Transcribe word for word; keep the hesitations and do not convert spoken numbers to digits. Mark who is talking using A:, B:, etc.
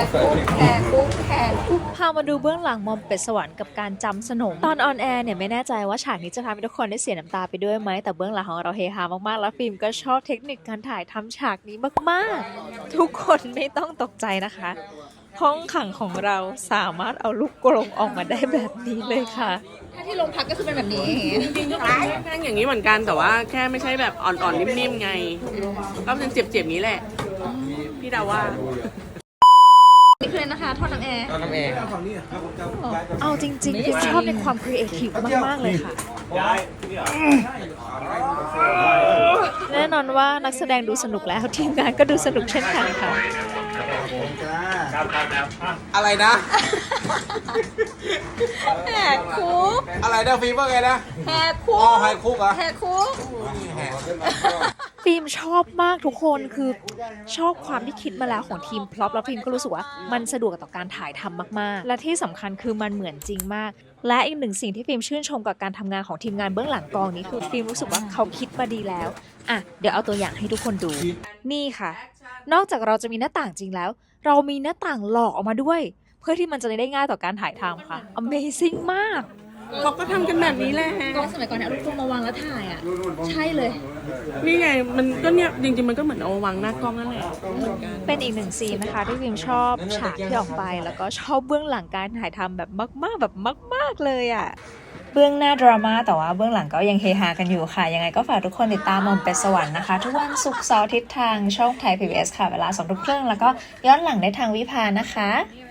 A: คุกแขกคุกแขกคุก
B: พามาดูเบื้องหลังมอมเป็ดสวรรค์กับการจำสนมตอนออนแอร์เนี่ยไม่แน่ใจว่าฉากนี้จะทำให้ทุกคนได้เสียน้ำตาไปด้วยไหมแต่เบื้องหลังของเราเฮฮามากๆแล้วฟิล์มก็ชอบเทคนิคการถ่ายทำฉากนี้มากๆทุกคนไม่ต้องตกใจนะคะห้องขังของเราสามารถเอาลูกกรงออกมาได้แบบนี้เลยค่ะ
A: ถ้าที่โรงพักก็คือเป็นแบบนี้
C: จริงๆก็เป็นแท่งอย่างนี้เหมือนกันแต่ว่าแค่ไม่ใช่แบบอ่อนๆนิ่มๆไงก็เป็นเจ็บๆนี้แหละพี่ดาว่า
A: นี่คือเลยนะคะทอดน้ำแอร์
D: น้ำเอง
B: เอาจริงๆฟิล์มชอบในความครีเอทีฟมากๆเลยค่ะแน่นอนว่านักแสดงดูสนุกแล้วทีมงานก็ดูสนุกเช่นกันค่ะ
D: อะไรนะ
A: แหกคุก
D: อะไรนะฟีเวอร์ไงนะ
A: แหกคุ
D: อ๋อก ไฮคุกเหรอ
A: แหกคุก
B: ฟิล์มชอบมากทุกคนคือชอบความที่คิดมาแล้วของทีมพล็อปแล้วฟิล์มก็รู้สึกว่ามันสะดวกต่อการถ่ายทำมากๆและที่สำคัญคือมันเหมือนจริงมากและอีกหนึ่งสิ่งที่ฟิล์มชื่นชมกับการทำงานของทีมงานเบื้องหลังกองนี้คือฟิล์มรู้สึกว่าเขาคิดมาดีแล้วอ่ะเดี๋ยวเอาตัวอย่างให้ทุกคนดูนี่ค่ะนอกจากเราจะมีหน้าต่างจริงแล้วเรามีหน้าต่างหลอกออกมาด้วยเพื่อที่มันจะได้ง่ายต่อการถ่ายทำค่ะ Amazing มาก
C: เขาก็ทำกันแบบนี้แหละ
A: กล้องสมัยก่อนเนี่ยเอาลูกกรงมาวางแล้วถ่ายอ่ะใช่เลย
C: นี่ไงมันก็เนี่ยจริงๆมันก็เหมือนเอามาวางหน้ากล้องนั่นแหละเหมือนกัน
B: เป็นอีกหนึ่งซีนนะคะที่ฟิล์มชอบฉากที่ออกไปแล้วก็ชอบเบื้องหลังการถ่ายทำแบบมากๆแบบมากๆเลยอ่ะเบื้องหน้าดราม่าแต่ว่าเบื้องหลังก็ยังเฮฮากันอยู่ค่ะยังไงก็ฝากทุกคนติดตามมอมเป็ดสวรรค์นะคะทุกวันศุกร์เสาร์อาทิตย์ทางช่องไทย พี บี เอส ค่ะเวลาสองทุ่มครึ่งแล้วก็ย้อนหลังได้ทางวิภานะคะ